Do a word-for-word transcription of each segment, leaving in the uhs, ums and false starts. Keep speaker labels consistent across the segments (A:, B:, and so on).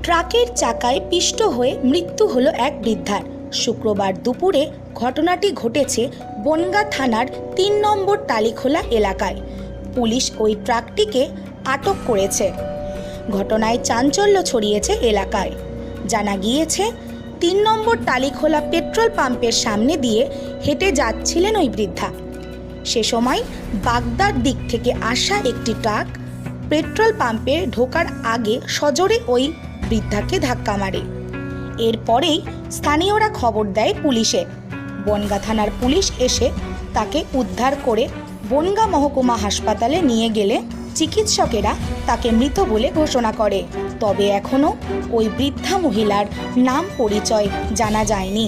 A: ট্রাকের চাকায় পিষ্ট হয়ে মৃত্যু হলো এক বৃদ্ধার। শুক্রবার দুপুরে ঘটনাটি ঘটেছে বনগাঁ থানার তিন নম্বর টালিখোলা এলাকায়। পুলিশ ওই ট্রাকটিকে আটক করেছে। ঘটনায় চাঞ্চল্য ছড়িয়েছে এলাকায়। জানা গিয়েছে, তিন নম্বর টালিখোলা পেট্রোল পাম্পের সামনে দিয়ে হেঁটে যাচ্ছিলেন ওই বৃদ্ধা। সে সময় বাগদার দিক থেকে আসা একটি ট্রাক পেট্রোল পাম্পে ঢোকার আগে সজোরে ওই বৃদ্ধাকে ধাক্কা মারে। এরপরেই স্থানীয়রা খবর দেয় পুলিশে। বনগাঁ থানার পুলিশ এসে তাকে উদ্ধার করে বনগাঁ মহকুমা হাসপাতালে নিয়ে গেলে চিকিৎসকেরা তাকে মৃত বলে ঘোষণা করে। তবে এখনও ওই বৃদ্ধা মহিলার নাম পরিচয় জানা যায়নি।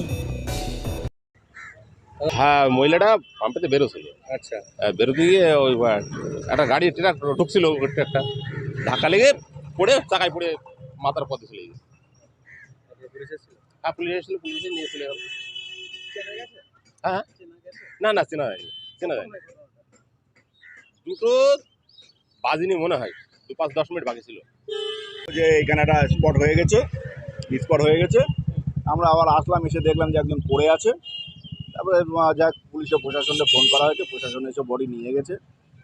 B: হ্যাঁ, মহিলাটা পাম্পেতে বেরোছিল।
C: আচ্ছা,
B: বেরোতে গিয়ে ওই একটা গাড়ি ট্রাক ঢুকছিল, একটা ধাক্কা লেগে পড়ে চাকায় পড়ে মাথার পথে চলে গেছে। হ্যাঁ, পুলিশ এসেছিল, পুলিশে নিয়ে চলে গেল। হ্যাঁ, না না চেনা যায়নি, চেনা যায়নি। দুটো বাজিনি মনে হয়, দু পাঁচ দশ মিনিট বাকি ছিল।
C: যে এখানে একটা স্পট হয়ে গেছে, স্পট হয়ে গেছে। আমরা আবার আসলাম, এসে দেখলাম যে একজন পড়ে আছে। তারপরে যাক পুলিশে প্রশাসনকে ফোন করা হয়েছে, প্রশাসন এসে বডি নিয়ে গেছে।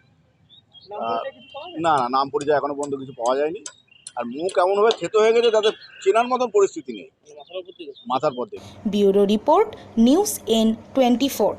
C: না না নাম পরিচয় এখনো পর্যন্ত কিছু পাওয়া যায়নি। আর মুখ এমনভাবে ক্ষেত হয়ে গেছে তাদের চেনার মতন পরিস্থিতি নেই, মাথার পর থেকে।
A: Bureau report, news N twenty four.